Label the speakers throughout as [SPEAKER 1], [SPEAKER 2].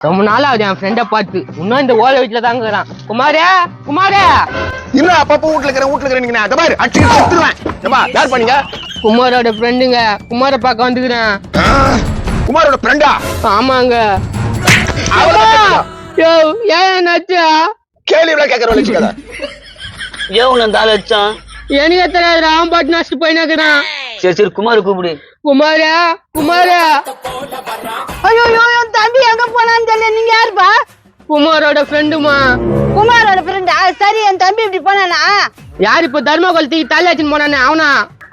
[SPEAKER 1] ரொம்ப நாள் ஆகுது என் ஃப்ரெண்ட பார்த்து. இன்னும் இந்த ஓலை வீட்டுல தாங்க இருக்கிறான். குமாரே குமாரே
[SPEAKER 2] இன்னும் அப்பப்போ வீட்டுல இருக்கிறேன் பாரு அடிச்சு எடுத்துருவேன். யார் பண்ணீங்க?
[SPEAKER 1] குமாரோட ஃப்ரெண்டுங்க. குமார பார்க்க வந்துக்கிறேன்.
[SPEAKER 2] குமாரோட ஃப்ரெண்டா?
[SPEAKER 1] ஆமாங்க. ஏன் என்னாச்சா?
[SPEAKER 2] கேள்வி எவ்வளவு கேட்கறோம்?
[SPEAKER 3] ஏன் அந்த ஆள் அடிச்சான்?
[SPEAKER 1] எனக்கு தெரியாது. அவன் பாட்டு நஷ்டு போயினாக்குறான்.
[SPEAKER 3] சரி சரி குமார் கூப்பிடு.
[SPEAKER 1] குமாரா குமாரா.
[SPEAKER 4] ஐயோ என் தம்பி எங்க போனான்னு தெரியல. நீங்க யாருப்பா?
[SPEAKER 1] குமாரோட ஃப்ரெண்டுமா.
[SPEAKER 4] குமாரோட ஃப்ரெண்டா? சரி, என் தம்பி இப்படி போனானா?
[SPEAKER 1] யார் இப்ப தர்மகோல் தூக்கி தலையாச்சுன்னு போனானே அவனா?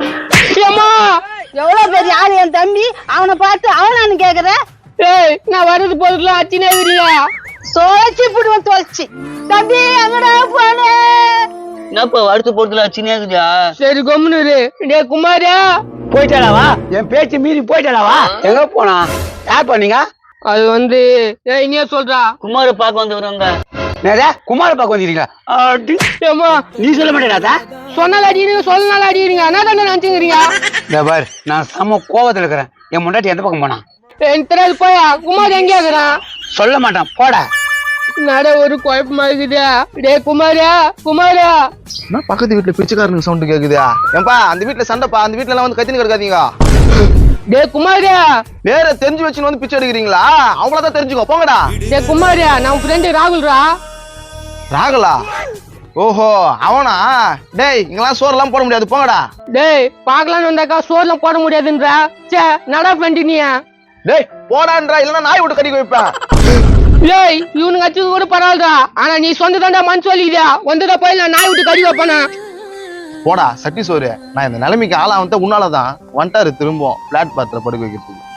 [SPEAKER 4] எவ்வளவு பெரிய ஆளு என் தம்பி, அவனை பார்த்து அவனான்னு கேக்குற?
[SPEAKER 1] ஏய், நான் வர்றது போதுலாம் அச்சினே இருக்கிறியா?
[SPEAKER 4] தொலைச்சி புடுவன் தொலைச்சி. தம்பி எங்கடா போனே?
[SPEAKER 3] என்னப்பா அடுத்து போறதுல சின்ன இருக்குதா?
[SPEAKER 1] சரி கொம்முனு. டே குமாரா.
[SPEAKER 2] போயிட்டாளாவா? என் பேச்சு மீறி போயிட்டாளாவா? எங்க போனா? யார் பண்ணீங்க?
[SPEAKER 1] அது வந்து இனியா சொல்றா.
[SPEAKER 3] குமார பாக்க வந்துக்கிறோங்க.
[SPEAKER 2] குமார பாக்க வந்துருக்கீங்களா? நீ சொல்ல மாட்டேடா?
[SPEAKER 1] சொன்னால அடிக்கிறீங்க, சொல்லனால அடிக்கிறீங்க. என்ன தானே நினைச்சுக்கிறீங்க?
[SPEAKER 2] பாரு, நான் செம கோவத்துல இருக்கிறேன். என் முன்னாடி எந்த பக்கம் போனா?
[SPEAKER 1] எனக்கு தெரியாது. போயா. குமார் எங்கேயா இருக்கிறான்?
[SPEAKER 2] சொல்ல மாட்டான், போடா.
[SPEAKER 1] நட ஒரு குழப்பமா இருக்குதா? டே குமாரா குமாரா.
[SPEAKER 5] பக்கத்து வீட்டுல பிச்சைக்காரனுக்கு சவுண்ட் கேக்குதா? ஏன்பா அந்த வீட்டுல சண்டைப்பா, அந்த வீட்டுல எல்லாம் வந்து கத்தின்னு கிடக்காதீங்க.
[SPEAKER 1] டே குமாரா.
[SPEAKER 5] வேற தெரிஞ்சு வச்சுன்னு வந்து பிச்சை எடுக்கிறீங்களா? அவங்களதான் தெரிஞ்சுக்கோ, போங்கடா.
[SPEAKER 1] டே குமாரா, நான் ஃப்ரெண்டு ராகுல்ரா.
[SPEAKER 5] ராகுலா? ஓஹோ அவனா? டேய் இங்கெல்லாம் சோறு எல்லாம் போட முடியாது, போங்கடா.
[SPEAKER 1] டேய் பாக்கலான்னு வந்தாக்கா சோறுலாம் போட முடியாதுன்றா. சே நடா ஃப்ரெண்டு நீயா?
[SPEAKER 5] டேய் போடான்றா, இல்லன்னா நாய் விட்டு கடிக்க வைப்பேன்.
[SPEAKER 1] ஏய் இவனுங்க அச்சது கூட பரவாயில்லடா. ஆனா நீ சொந்த தாண்டா மனசு வலிக்குதா? வந்துடா போய் நான் நாய் விட்டு கடி வைப்பானா?
[SPEAKER 5] போடா சட்டி சோறு. நான் இந்த நிலைமைக்கு ஆளா வந்து உன்னாலதான் வந்துட்டாரு திரும்ப பிளாட் பாத்திர படுக்க வைக்கிறதுக்கு.